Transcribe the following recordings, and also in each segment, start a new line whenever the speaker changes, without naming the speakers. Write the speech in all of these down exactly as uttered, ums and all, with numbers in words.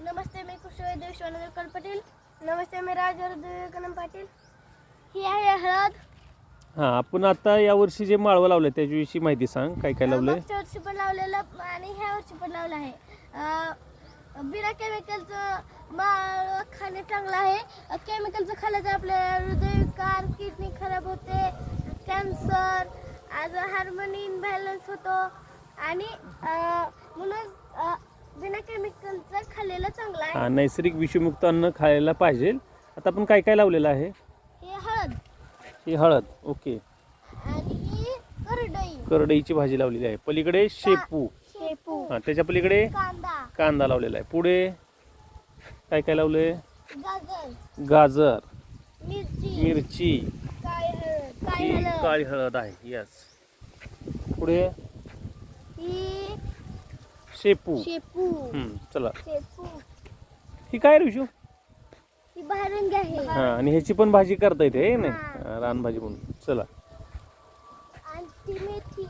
नमस्ते, मी कुशल देशवानंद पाटील. नमस्ते, मी राजवर्धन कनम पाटील. ही आहे हळद.
हां, आपण आता यावर्षी जे माळवं लावलं त्याच्याविषयी माहिती सांग. काय काय लावलंय?
मागच्या वर्षी पण लावलेलं आणि ह्या वर्षी पण लावलं आहे. अं, बिना केमिकलचं माळ खाणे चांगलं आहे. केमिकलचं खाल्लं तर आपल्या हृदयविकार, किडनी खराब होते, कॅन्सर, आज हार्मोनी इनबॅलन्स होतो आणि अं, म्हणून अं, बिना केमिकलचं खाल्लेलं चांगलं आहे.
हां, नैसर्गिक विषमुक्त अन्न खायला पाहिजे. आता आपण काय काय लावलेलं आहे?
हे हळद
ही हळद, ओके.
आणि ही करडई,
करडईची भाजी लावलेली आहे. पलीकडे शेपू,
शेपू,
हां, त्याच्या पलीकडे
कांदा,
कांदा लावलेला आहे. पुढे काय काय लावलंय?
गाजर,
गाजर,
मिरची,
मिरची,
काळी हळद, काळी
ही
हळद,
काळी हळद आहे. यस. पुढे
ही
शेपू.
शेपू,
हम्म, चला.
शेपू,
ही काय रिशू?
ही भारंगी आहे.
हां, आणि ह्याची पण भाजी करता येते हे नाही?
हां.
हां, रानभाजी म्हणून. चला.
आणि ती मेथी,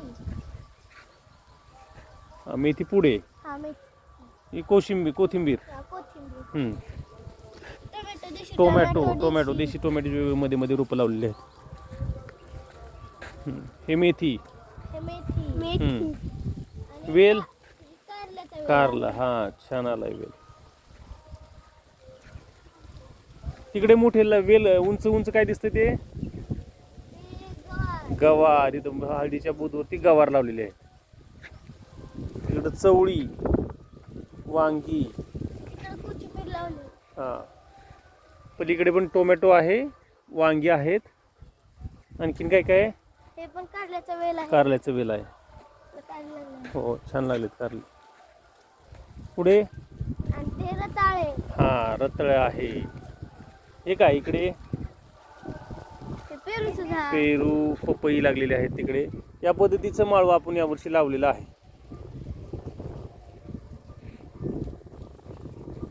हां, मेथी पुढे.
हा मेथी,
ही कोशिंबीर, कोथिंबीर.
हा कोथिंबीर,
हम्म.
टोमॅटो, देशी
टोमॅटो, टोमॅटो, देशी टोमॅटो मध्ये मध्ये रोपं लावलेली आहेत. हम्म. हे मेथी.
हे मेथी,
हम्म.
आणि
वेल,
कारल्याचा वेल.
कारला. हा, छान आलाय वेल. तिकडे मोठे ल- वेल उंच उंच काय दिसतं ते?
हे गवार,
गवार. इथं हळदीच्या बुधवरती गवार लावलेले आहे. तिकडं चवळी, वांगी.
इकडे कोथिंबीर लावली.
हा, पलीकडे पण टोमॅटो आहे, वांगी आहेत. आणखीन काय काय आहे?
हे पण कारल्याचा वेल आहे.
कारल्याचं वेल आहे.
कारल्याला.
हो, छान लागलेत कारले. पुढे
आणि ते रताळे,
हा, रताळे आहे. हे काय इकडे?
ते पेरूचं झाड.
पेरू, पपई लागलेले आहेत तिकडे. या पद्धतीचं माळवं आपण यावर्षी लावलेलं आहे.